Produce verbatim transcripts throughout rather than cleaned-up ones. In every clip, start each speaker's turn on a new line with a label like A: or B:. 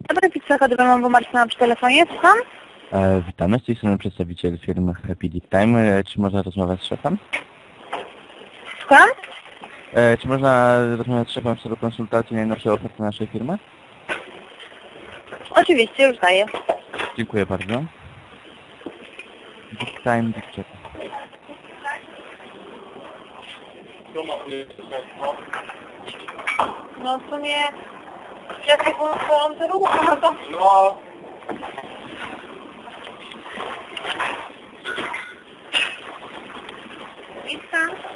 A: Dobry, pizza chodową Marcina przy telefonie, słucham?
B: E, witamy, z tej strony przedstawiciel firmy Happy Dick Time. E, czy można rozmawiać z szefem?
A: Słucham?
B: E, czy można rozmawiać z szefem w celu konsultacji najnowszej oferty naszej firmy?
A: Oczywiście, już daję.
B: Dziękuję bardzo. Dick Time, Dick Check.
A: No w sumie... Ja tak mam to rucham, to... No... Pizza?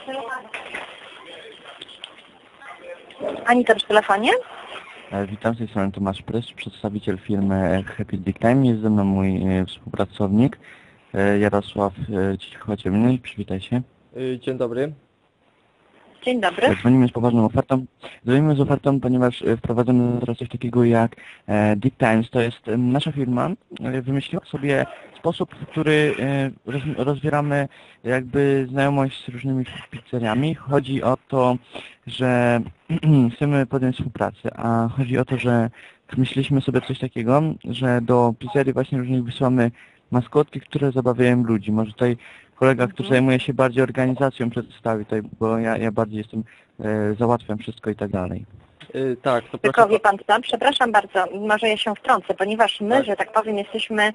A: Anita przy telefonie?
B: E, witam, z tej strony Tomasz Prys, przedstawiciel firmy Happy Dick Time. Jest ze mną mój e, współpracownik e, Jarosław e, Cichociemny. Przywitaj się.
C: Dzień dobry.
A: Dzień dobry.
B: Dzwonimy z poważną ofertą. Dzwonimy z ofertą, ponieważ e, wprowadzamy teraz coś takiego jak e, Dick Times. To jest e, nasza firma. E, wymyśliła sobie sposób, w który e, roz, rozwieramy jakby znajomość z różnymi pizzeriami. Chodzi o to, że chcemy podjąć współpracę, a chodzi o to, że myśleliśmy sobie coś takiego, że do pizzerii właśnie różnych wysyłamy maskotki, które zabawiają ludzi. Może tutaj kolega, który zajmuje się bardziej organizacją, przedstawi tutaj, bo ja, ja bardziej jestem, e, załatwiam wszystko i tak dalej.
C: Yy, tak, to
A: Tylko
C: proszę...
A: wie pan co, przepraszam bardzo, może ja się wtrącę, ponieważ my,
C: Tak.
A: że tak powiem, jesteśmy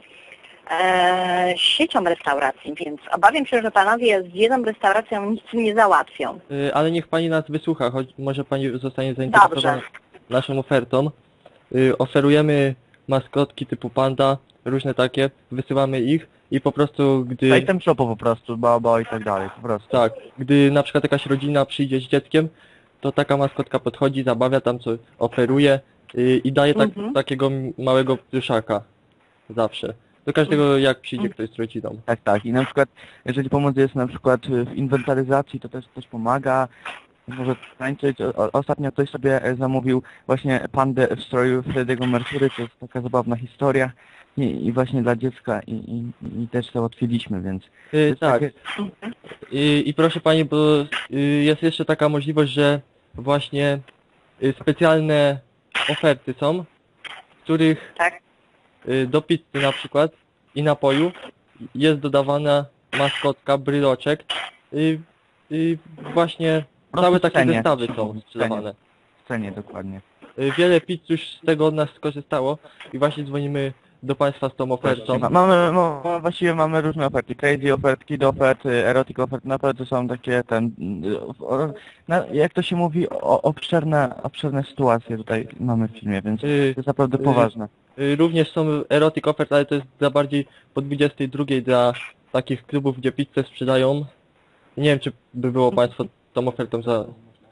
A: e, siecią restauracji, więc obawiam się, że panowie z jedną restauracją nic nie załatwią.
C: Yy, ale niech pani nas wysłucha, choć może pani zostanie zainteresowana
A: Dobrze.
C: naszą ofertą. Yy, oferujemy maskotki typu panda, różne takie, wysyłamy ich i po prostu gdy...
B: Item shopu po prostu, baba i tak dalej, po prostu.
C: Tak, gdy na przykład jakaś rodzina przyjdzie z dzieckiem, to taka maskotka podchodzi, zabawia tam co oferuje yy, i daje tak,
A: Mhm.
C: takiego małego pluszaka zawsze. Do każdego jak przyjdzie ktoś z rodziną.
B: Tak, tak. I na przykład, jeżeli pomoc jest na przykład w inwentaryzacji, to też też pomaga. Może tańczyć. O, ostatnio ktoś sobie zamówił właśnie pandę w stroju Freddy'ego Mercury, to jest taka zabawna historia. I, i właśnie dla dziecka i, i, i też załatwiliśmy, więc... to
C: Yy,
B: jest
C: tak.
B: takie-
C: I, I proszę pani, bo y, jest jeszcze taka możliwość, że właśnie y, specjalne oferty są, w których
A: Tak?
C: y, do pizzy na przykład i napoju jest dodawana maskotka, bryloczek. Y, y, właśnie
B: Po prostu
C: całe
B: w
C: takie
B: cenie.
C: zestawy
B: W
C: są
B: cenie.
C: sprzedawane.
B: W cenie dokładnie.
C: Y, wiele pizz już z tego od nas skorzystało i właśnie dzwonimy do państwa z tą ofertą.
B: Ma- Mamy, no, właściwie mamy różne oferty, crazy ofert, kid ofert, erotic ofert, naprawdę są takie ten, o, na, jak to się mówi, o, obszerne, obszerne sytuacje tutaj mamy w filmie, więc to
C: Y,
B: jest naprawdę
C: y,
B: poważne.
C: y, również są erotic ofert, ale to jest dla bardziej po dwudziestej drugiej dla takich klubów, gdzie pizzę sprzedają. Nie wiem, czy by było państwo tą ofertą za...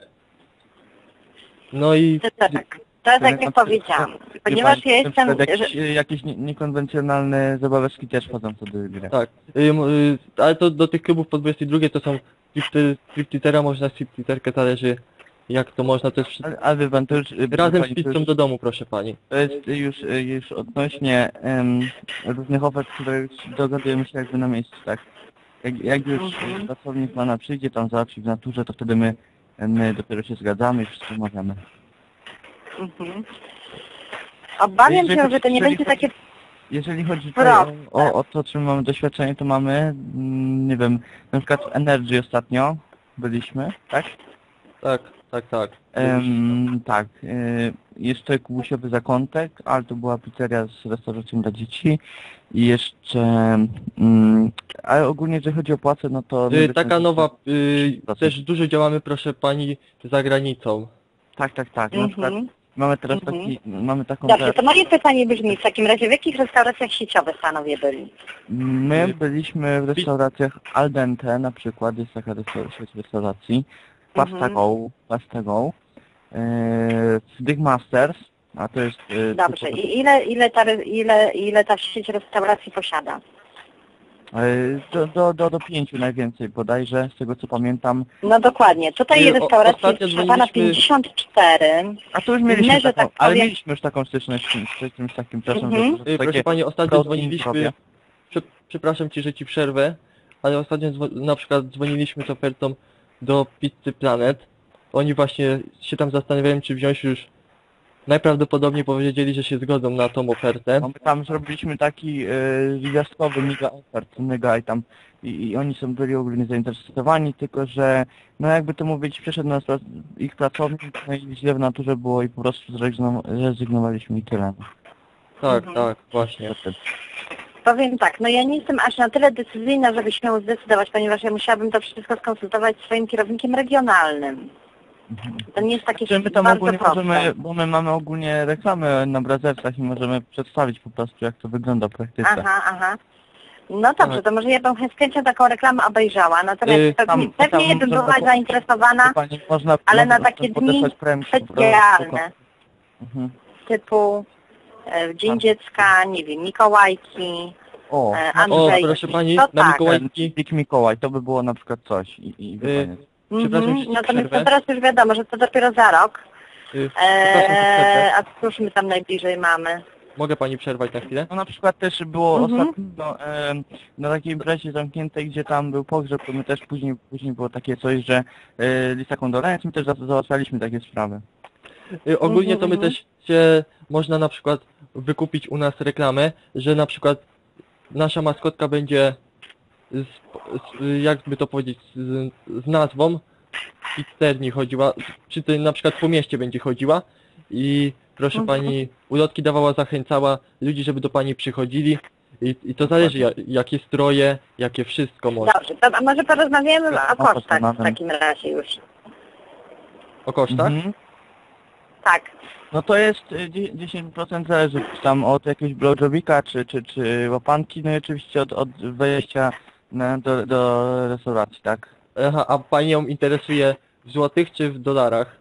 C: No i...
A: To tak. To jest tak jak powiedziałam. Ponieważ ja jestem...
B: Na przykład
A: że-
B: jakieś, jakieś nie- niekonwencjonalne zabaweczki też wchodzą wtedy w grę.
C: Tak, y, m- y, ale to do tych klubów po dwudziestej drugiej to są stripteasera, można stripteaserkę, zależy jak to można, to jest wszy-
B: Ale, ale wie pan, to już... y,
C: razem
B: pani,
C: z
B: to
C: pizzą
B: już-
C: do domu, proszę pani.
B: To jest już, już odnośnie em, różnych ofert, które dogadujemy się jakby na miejscu, tak? Jak, jak już
A: Mhm.
B: pracownik pana przyjdzie tam załatwi w naturze, to wtedy my, my dopiero się zgadzamy i wszystko omawiamy.
A: Mhm. Obawiam
B: Jeżeli
A: się,
B: chodzi-
A: że to nie
B: jeżeli
A: będzie
B: chodzi-
A: takie...
B: Jeżeli chodzi tutaj
A: Proste.
B: o, o, o to, czym mamy doświadczenie, to mamy, mm, nie wiem, na przykład w Energy ostatnio byliśmy, tak?
C: Tak, tak, tak.
B: Em, tak, y, jeszcze kubusiowy zakątek, ale to była pizzeria z restauracją dla dzieci i jeszcze, mm, ale ogólnie jeżeli chodzi o płacę, no to...
C: Y, taka nowa, y,
B: Dosyć.
C: też dużo działamy, proszę pani, za granicą.
B: Tak, tak, tak, na przykład
A: Mhm.
B: mamy teraz
A: Mhm.
B: taki, mamy taką...
A: Dobrze, to moje pytanie brzmi, w takim razie w jakich restauracjach sieciowych panowie byli?
B: My byliśmy w restauracjach Al Dente na przykład, jest taka restauracja sieć restauracji, Pasta
A: Mhm.
B: Go, Pasta Go, yy, w Big Masters, a to jest... yy,
A: Dobrze,
B: typowe-
A: i ile, ile, ta, re- ile, ile ta sieć restauracji posiada?
B: yy, do, do, do, do pięciu najwięcej bodajże, z tego co pamiętam.
A: No dokładnie, tutaj
C: Y, o-
A: restauracji
C: ostatnio
A: jest proszę pana
C: dzwoniliśmy-
A: pięćdziesiąt cztery.
B: A to już mieliśmy
A: My, że
B: taką,
A: tak
B: ale
A: powiem-
B: mieliśmy już taką styczność z czymś, z czymś takim, przepraszam,
A: Mhm.
B: że, że
C: Y,
B: takie
C: proszę pani, ostatnio
B: protein
C: dzwoniliśmy,
B: robię.
C: prze, przepraszam ci, że ci przerwę, ale ostatnio dzwo- na przykład dzwoniliśmy z ofertą do Pizzy Planet. Oni właśnie się tam zastanawiają, czy wziąć już najprawdopodobniej powiedzieli, że się zgodzą na tą ofertę.
B: No my tam zrobiliśmy taki y, gwiazdkowy mega ofert, mega i tam i, i oni są byli ogólnie zainteresowani, tylko że no jakby to mówić, przyszedł nas pra- ich pracownik, no i źle w naturze było i po prostu zrezygnow- zrezygnowaliśmy i tyle.
C: Tak,
A: Mhm.
C: tak, właśnie.
A: Powiem tak, no ja nie jestem aż na tyle decyzyjna, żeby się zdecydować, ponieważ ja musiałabym to wszystko skonsultować z swoim kierownikiem regionalnym. To nie jest takie
B: Czy my tam
A: bardzo
B: ogólnie
A: proste.
B: możemy, bo my mamy ogólnie reklamę na Brazercach i możemy przedstawić po prostu jak to wygląda w praktyce.
A: Aha, aha. No dobrze,
C: Tak.
A: to może ja bym z chęcią taką reklamę obejrzała, natomiast
C: Yy,
A: pewnie,
B: tam-
A: pewnie
B: tam
A: bym
B: można
A: była
B: po-
A: zainteresowana,
B: Pani, można,
A: ale
B: można
A: na takie dni
B: podesłać premię po prostu.
A: specjalne,
B: Mhm.
A: typu e, Dzień Dziecka, nie wiem, Mikołajki,
B: O,
A: e,
B: no to-
C: O,
A: Andrzej.
C: proszę pani,
A: to
C: na
A: tak.
C: Mikołajki.
B: Big Mikołaj, to by było na przykład coś i, i
C: Yy,
B: koniec.
C: Przepraszam,
A: Mhm,
C: że ci
A: natomiast
C: przerwę.
A: to teraz już wiadomo, że to dopiero za rok.
C: Y, Przepraszam, że przerwę.
A: Eee, a cóż my tam najbliżej mamy?
C: Mogę pani przerwać na chwilę?
B: No na przykład też było
A: Mhm.
B: ostatnio e, na takiej imprezie zamkniętej, gdzie tam był pogrzeb, to my też później, później było takie coś, że e, lista kondolenc, my też za- załatwialiśmy takie sprawy.
C: Y, Ogólnie to my
A: Mhm,
C: też się można na przykład wykupić u nas reklamę, że na przykład nasza maskotka będzie z, z, jakby to powiedzieć, z, z nazwą pizzerii chodziła, czy to na przykład po mieście będzie chodziła i proszę
A: Mhm.
C: pani ulotki dawała, zachęcała ludzi, żeby do pani przychodzili i, i to zależy ja, jakie stroje, jakie wszystko może.
A: Dobrze, to a może porozmawiamy o
B: No,
A: kosztach w
B: porozmawiamy.
A: takim razie już.
C: O kosztach?
B: Mhm.
A: Tak.
B: No to jest e, dzie- dziesięć procent zależy tam od jakiegoś blowjobika czy, czy, czy łapanki, no i oczywiście od, od wejścia na, do, do restauracji, tak?
C: Aha, a panią interesuje w złotych czy w dolarach?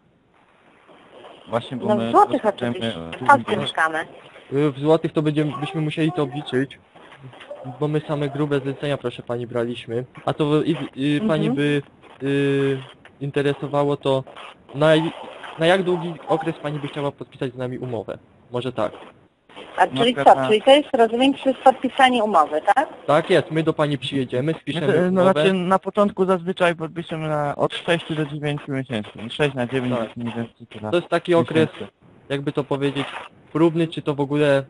B: Właśnie, bo
A: No
B: my
A: w złotych
B: potrzebujemy,
A: oczywiście.
B: e,
A: W Polsce mieszkamy.
C: Y, W złotych to będziemy, byśmy musieli to obliczyć, bo my same grube zlecenia, proszę pani, braliśmy. A to i, i, pani
A: Mhm.
C: by y, interesowało to, na, na jak długi okres pani by chciała podpisać z nami umowę? Może tak.
A: A
B: Na
A: czyli
B: przykład
A: co?
B: na-
A: Czyli to jest, rozumiem, przez podpisanie umowy, tak?
C: Tak jest, my do pani przyjedziemy, spiszemy
B: Znaczy, no,
C: umowę.
B: znaczy na początku zazwyczaj podpiszemy na od sześciu do dziewięciu miesięcy. sześć na dziewięć
C: Tak.
B: mniej więcej tyle.
C: To jest taki okres,
B: miesięcy.
C: jakby to powiedzieć, próbny, czy to w ogóle...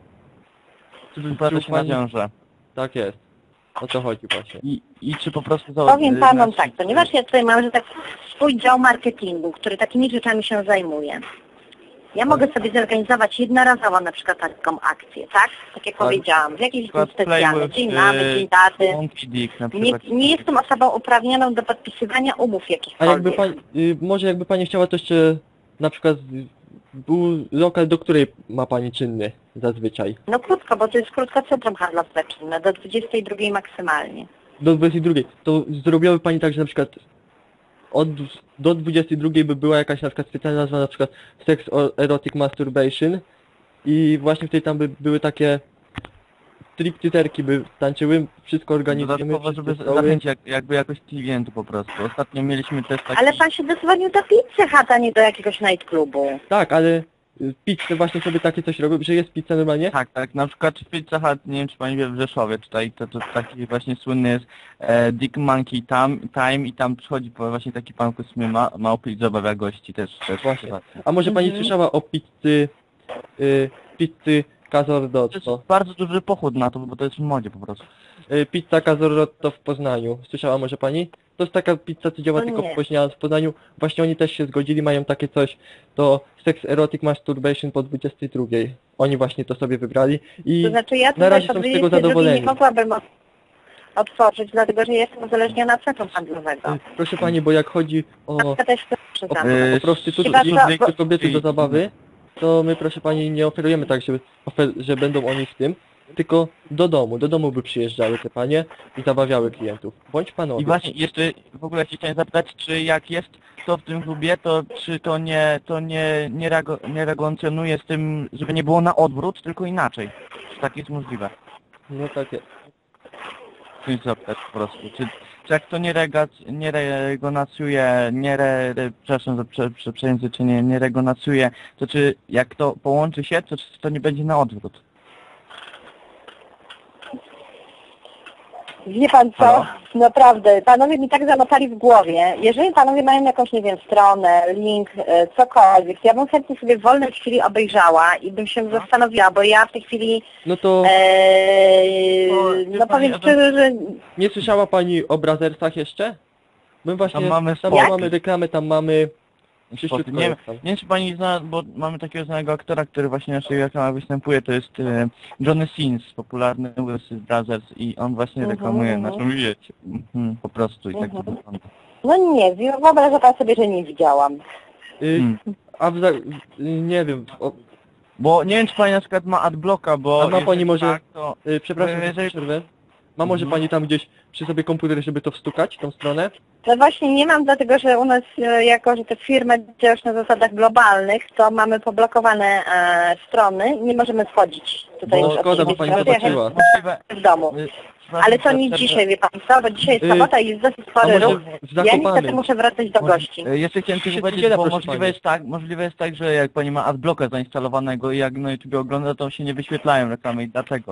B: Czy wypłata
C: czy
B: się
C: pani-
B: nawiąże.
C: Tak jest. O to chodzi właśnie.
B: I, I czy po prostu... za-
A: Powiem
B: y,
A: panom
B: nasz-
A: tak, ponieważ ja tutaj mam, że tak swój dział marketingu, który takimi rzeczami się zajmuje. Ja mogę sobie zorganizować jednorazowo na przykład taką akcję, tak? Tak jak
C: Tak.
A: powiedziałam, w jakiś dzień
B: Przykład
A: specjalny,
B: Playboy,
A: dzień
B: y,
A: mamy, dzień daty.
B: Monkey Dick na
A: Nie,
B: przykład.
A: nie jestem osobą uprawnioną do podpisywania umów
C: A
A: jakichkolwiek.
C: jakby pani, y, może jakby pani chciała, to jeszcze na przykład y, był lokal, do której ma pani czynny zazwyczaj?
A: No krótko, bo to jest krótko centrum handlowe czynne, do dwudziestej drugiej maksymalnie.
C: Do dwudziestej drugiej. To zrobiłaby pani tak, że na przykład od, do dwudziestej drugiej by była jakaś na przykład specjalna nazwa, na przykład Sex or Erotic Masturbation i właśnie wtedy tam by były takie stripteaserki by tańczyły, wszystko organizujemy,
B: Dodatkowo, żeby
C: wszystkie stoły.
B: zachęcić jak, jakby jakoś klientów po prostu. Ostatnio mieliśmy też taki...
A: Ale pan się dozwonił do pizzy Hut, a nie do jakiegoś nightclubu.
C: Tak, ale y, pizzę właśnie sobie takie coś robią, że jest pizza normalnie.
B: Tak, tak, na przykład w Pizza Hut, nie wiem czy pani wie, w Rzeszowie tutaj, to, to taki właśnie słynny jest e, Dick Monkey tam, Time i tam przychodzi po- właśnie taki pan w sumie ma, małpy i zabawia gości też. też
C: Właśnie.
B: To
C: A może pani
A: Mhm.
C: słyszała o pizzy, y, pizzy Cazordotto?
B: jest bardzo duży pochód na to, bo to jest w modzie po prostu.
C: Y, pizza Cazordotto w Poznaniu. Słyszała może pani? To jest taka pizza, co działa
A: No
C: tylko
A: nie.
C: w Poznaniu. W Poznaniu. Właśnie oni też się zgodzili, mają takie coś, to Sex Erotic Masturbation po dwudziestej drugiej. Oni właśnie to sobie wybrali i
A: To znaczy ja
C: na
A: tutaj
C: razie
A: po
C: są z tego
A: dwudziestej drugiej
C: zadowoleni.
A: nie mogłabym od- otworzyć, dlatego że jestem uzależniona od centrum handlowego.
C: y, proszę pani, bo jak chodzi o,
A: Matka też chce
C: o,
A: przyznać.
B: Yy,
C: o prostytutów
A: chyba
C: i
A: co-
C: i kobiety do zabawy, to my proszę pani nie oferujemy tak, że, ofer że będą oni w tym, tylko do domu, do domu by przyjeżdżały te panie i zabawiały klientów. Bądź panowie.
B: I właśnie jeszcze w ogóle się chciałem zapytać, czy jak jest to w tym klubie, to czy to nie to nie, nie, reago, nie regulacjonuje z tym, żeby nie było na odwrót, tylko inaczej. Czy tak jest możliwe?
C: No tak jest.
B: Chcę się zapytać po prostu. Czy, czy jak to nie, regac, nie regonacjuje, nie re, re, przepraszam za prze, prze, przejęzyczenie, nie regonacjuje, to czy jak to połączy się, to czy to nie będzie na odwrót?
A: Wie pan co?
B: Halo?
A: Naprawdę, panowie mi tak zanotali w głowie. Jeżeli panowie mają jakąś, nie wiem, stronę, link, e, cokolwiek, to ja bym chętnie sobie w wolnej chwili obejrzała i bym się zastanowiła, bo ja w tej chwili,
C: No to
A: e,
B: O,
A: no powiem szczerze, że
C: nie słyszała pani o Brazersach jeszcze? My właśnie,
B: Tam mamy
C: tam
B: spoty.
C: mamy reklamę, tam mamy...
B: Spoty.
C: Czyściutko
B: Nie,
C: jest tam.
B: nie wiem, czy pani zna, bo mamy takiego znanego aktora, który właśnie w naszej reklamach występuje, to jest e, Johnny Sins, popularny Wilson Brothers i on właśnie
A: Mhm,
B: reklamuje
A: mhm.
B: naszą wiecie. Mhm, po prostu i tak to
A: Mhm.
B: wygląda.
A: no nie, wyobraża pan sobie, że nie widziałam.
C: Y,
B: Hmm.
C: a w za... y, nie wiem, o,
B: Bo nie wiem, czy pani na przykład ma adblocka, bo
C: A ma pani
B: jeżeli
C: może-
B: tak, to
C: y, przepraszam,
B: Y, jeżeli-
C: że przerwę. Ma może
B: Mhm.
C: pani tam gdzieś przy sobie komputer, żeby to wstukać, tą stronę?
A: No właśnie nie mam, dlatego że u nas, e, jako że te firmy działają na zasadach globalnych, to mamy poblokowane e, strony, nie możemy wchodzić tutaj
C: Bo
A: już od
C: szkoda, bo
A: siebie
C: pani
A: strony,
C: zobaczyła.
A: ja
B: możliwe,
A: w domu.
B: y, przepraszam,
A: Ale to
B: że
A: nie
B: przerwę.
A: dzisiaj, wie pan co, bo dzisiaj jest
C: Y,
A: sobota i jest dosyć
C: A
A: spory
C: może
A: ruch.
C: w
A: Ja niestety
C: Zakopanem?
A: muszę wracać do
B: Może-
A: gości.
B: y, Jeszcze chciałem tylko
C: Się
B: powiedzieć,
C: niedziela,
B: bo
C: proszę
B: możliwe
C: pani.
B: jest tak, możliwe jest tak, że jak pani ma adblocka zainstalowanego i jak na YouTube ogląda, to się nie wyświetlają reklamy i dlaczego?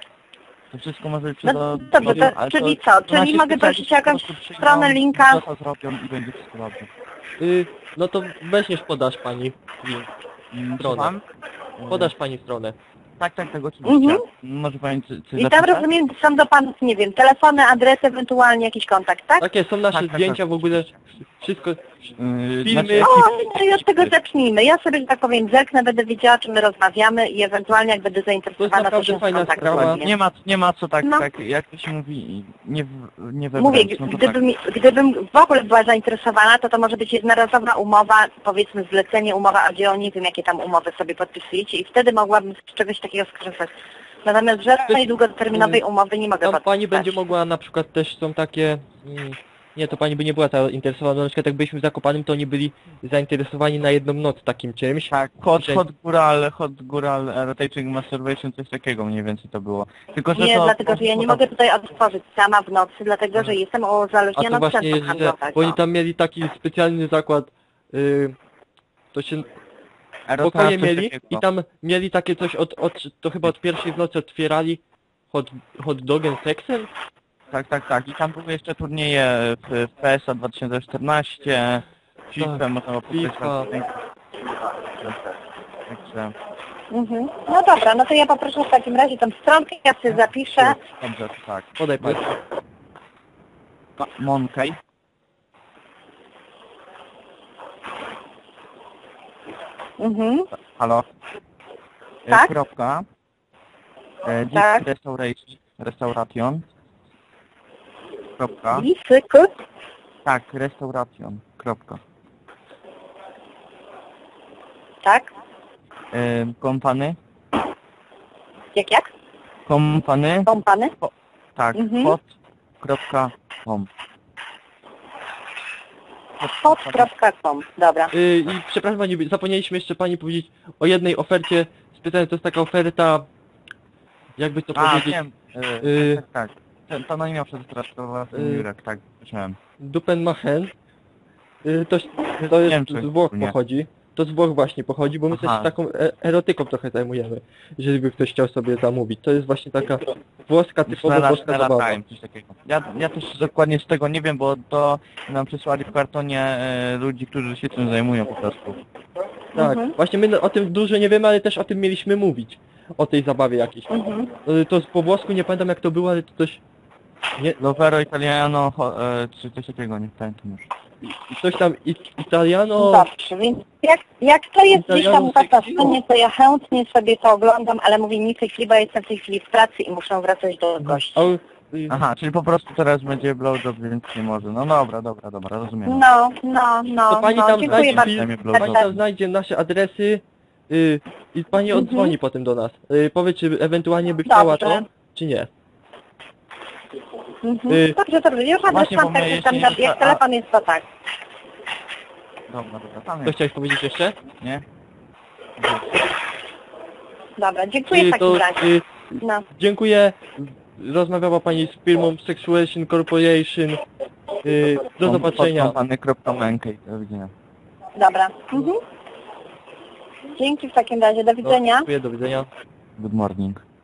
B: To wszystko może być przez
A: No
B: ad-
A: dobrze,
B: adblocka,
A: to,
B: ale
A: czyli
B: to-
A: co?
B: to nasi
A: Czyli mogę
B: specjaliści
A: prosić o
B: po
A: jakąś
B: prostu przyjdą,
A: stronę, linka?
B: to co zrobią i będzie wszystko dobrze.
C: Y, no to weźmiesz, podasz pani link.
B: Mm,
C: Stronę.
B: słucham?
C: Podasz pani stronę.
B: Tak, tak, tak, oczywiście.
A: Mhm.
B: Może pani coś coś
A: I tam
B: zapisać?
A: rozumiem, są do panów, nie wiem, telefony, adresy, ewentualnie jakiś kontakt, tak?
C: Takie są nasze
B: Tak, tak,
C: zdjęcia
B: tak.
C: w ogóle, wszystko...
B: Yy,
C: filmy.
B: znaczy,
A: O,
B: ekip-
A: no i od tego zacznijmy. Ja sobie, że tak powiem, zerknę, będę wiedziała, czym my rozmawiamy i ewentualnie jak będę zainteresowana, to
C: naprawdę
A: się
C: fajna
A: skontaktuję.
C: sprawa.
B: Nie ma, nie ma co tak,
A: No.
B: tak, jak to się mówi, nie, w, nie we
A: Mówię,
B: wręcz, no to
A: gdybym, gdybym w ogóle była zainteresowana, to to może być jednorazowa umowa, powiedzmy zlecenie, umowa o dzieło, nie wiem jakie tam umowy sobie podpisujecie i wtedy mogłabym z czegoś takiego skorzystać. Natomiast żadnej długoterminowej umowy nie mogę
C: Tam
A: podpisać.
C: pani będzie mogła, na przykład też są takie... Mm, nie, to pani by nie była zainteresowana, na przykład jak byliśmy w Zakopanem, to oni byli zainteresowani na jedną noc takim czymś.
B: tak, hot,
C: Że-
B: hot Gural, hot Gural, rotating masturbation, coś takiego mniej więcej to było. Tylko, że
A: Nie,
B: to,
A: dlatego że ja nie mogę tutaj otworzyć sama w nocy, dlatego że jestem
C: A to
A: uzależniona od
C: właśnie
A: centrum
C: jest, że
A: handlowego.
C: bo oni tam mieli taki specjalny zakład, y, to się
B: Erotra,
C: pokoje
B: coś
C: mieli
B: takiego.
C: i tam mieli takie coś od, od to chyba od pierwszej w nocy otwierali hot, hot dogiem seksem?
B: Tak, tak, tak. I tam były jeszcze turnieje w, w P S A dwa tysiące czternaście, FIFA,
C: Tak,
B: można było
C: FIFA.
B: podkreślać. Także,
A: Mhm. No dobra, no to ja poproszę w takim razie tą stronkę, ja sobie zapiszę.
B: dobrze, to tak.
C: Podaj pani.
B: Ma- Monkey.
A: Mhm.
B: Halo. E,
A: Tak?
B: Kropka. E,
A: Tak.
B: Deep Restauration. Restauration. Kropka.
A: Lisyku.
B: Tak, Restauration. Kropka.
A: Tak?
B: E, kompany.
A: Jak, jak?
B: Kompany.
A: Kompany?
B: Tak,
A: Mhm.
B: hot. Kropka. com.
A: hot kropka com. Dobra.
C: Y, I przepraszam pani, zapomnieliśmy jeszcze pani powiedzieć o jednej ofercie specjalnej, to jest taka oferta, jakby to
B: A,
C: powiedzieć,
B: wiem. E,
C: Y,
B: tak, tak. Ten, to no nie miał przestraszować
C: Y,
B: Jurek, tak, słyszałem.
C: Dupenmachen. Y, to, to
B: Nie wiem,
C: jest
B: czy-
C: z Włoch
B: nie.
C: pochodzi. To z Włoch właśnie pochodzi, bo my
B: Aha.
C: też taką e erotyką trochę zajmujemy, jeżeli by ktoś chciał sobie zamówić. To jest właśnie taka włoska, typowo
B: Znalazł-
C: włoska zabawa.
B: znalazłem coś takiego. Ja, ja też dokładnie z tego nie wiem, bo to nam przysłali w kartonie e, ludzi, którzy się tym zajmują po prostu.
C: Tak,
A: Mhm.
C: właśnie my o tym dużo nie wiemy, ale też o tym mieliśmy mówić. O tej zabawie jakiejś.
A: Mhm.
C: Y, To po włosku nie pamiętam jak to było, ale to coś... Nie,
B: Lovero Italiano, ho, e, czy coś takiego, nie pamiętam już.
C: coś tam it, italiano...
A: Dobrze, więc jak, jak to jest gdzieś tam
C: Italiano
A: u was na
C: sexy?
A: stronie, to ja chętnie sobie to oglądam, ale mówię mi w tej chwili, bo ja jestem w tej chwili w pracy i muszę wracać do gości.
C: A, y,
B: Aha, czyli po prostu teraz będzie blowjob, więc nie może. No dobra, dobra, dobra, rozumiem.
A: No, no, no,
C: To pani
A: no,
C: tam
A: dziękuję
C: znajdzie
A: bardzo.
C: film,
B: Zajmie
C: pani
B: blowjob.
C: tam znajdzie nasze adresy y, i pani
A: Mhm.
C: odzwoni potem do nas. Y, powie, czy ewentualnie by chciała
A: Dobrze.
C: to, czy nie.
A: Mhm.
C: Y,
A: Dobrze, dobrze, już
B: Właśnie, bo
A: odeszłam,
B: my
A: tak, że
B: jeszcze
A: tam,
B: nie-
A: jak
B: a-
A: telefon jest, to tak.
B: Dobra, dobra, tam
C: Co
B: jest,
C: chciałeś powiedzieć jeszcze?
B: nie?
A: Dobra, dziękuję w
C: Y,
A: takim
C: to,
A: razie.
C: y,
A: No.
C: dziękuję. Rozmawiała pani z firmą Sexuation Corporation. Y, do zobaczenia.
B: Kompany.menkej, do widzenia.
A: Dobra. Mhm. Dzięki w takim razie, do
C: No,
A: widzenia.
C: dziękuję, do widzenia.
B: Good morning.